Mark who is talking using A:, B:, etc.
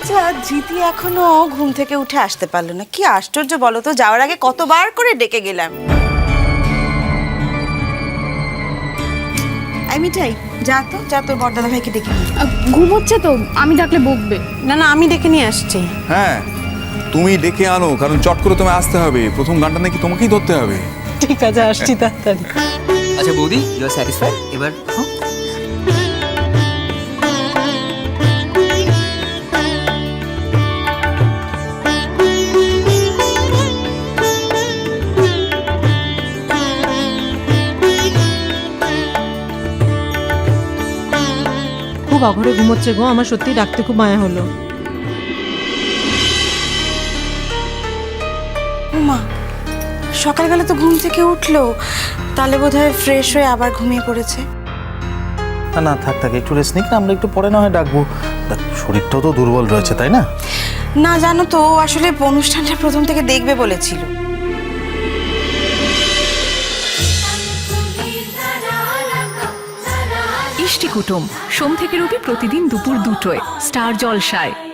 A: আচ্ছা, জিতি এখনো ঘুম থেকে উঠে আসতে পারলো না, কি আশ্চর্য বলো তো। যাওয়ার আগে কতবার করে ডেকে গেলাম। এই মিঠাই, যা তো, যা তোর বড়দাদা ভাইকে ডেকে নিয়ে আয়।
B: ঘুমোচ্ছে তো, আমি ডাকলে বকবে।
A: না না, আমি ডেকে নিয়ে আসছি।
C: হ্যাঁ, তুমি ডেকে আনো, কারণ চট করে তোমায় আসতে হবে। প্রথম গানটা নাকি তোমাকেই ধরতে হবে।
D: ঠিক আছে, আসছি তাড়াতাড়ি।
E: আচ্ছা বৌদি, ইউ আর স্যাটিসফাইড? এবার
D: খুব অঘরে ঘুমোচ্ছে গো, আমার সত্যি ডাকতে খুব মায়া হলো।
A: মা, সকালবেলা তো ঘুম থেকে উঠলো, তাহলে বোধহয় ফ্রেশ হয়ে আবার ঘুমিয়ে পড়েছে।
F: না না, থাক থাক, একটু রেস্ট নিক না, আমরা একটু পরে না হয় ডাকবো। দেখ, শরীরটাও তো দুর্বল রয়েছে, তাই না?
A: না জানো তো, ও আসলে অনুষ্ঠানটা প্রথম থেকে দেখবে বলেছিল।
G: ইষ্টি কুটুম সোম থেকে রবি প্রতিদিন দুপুর 2টোয় স্টার জলসায়।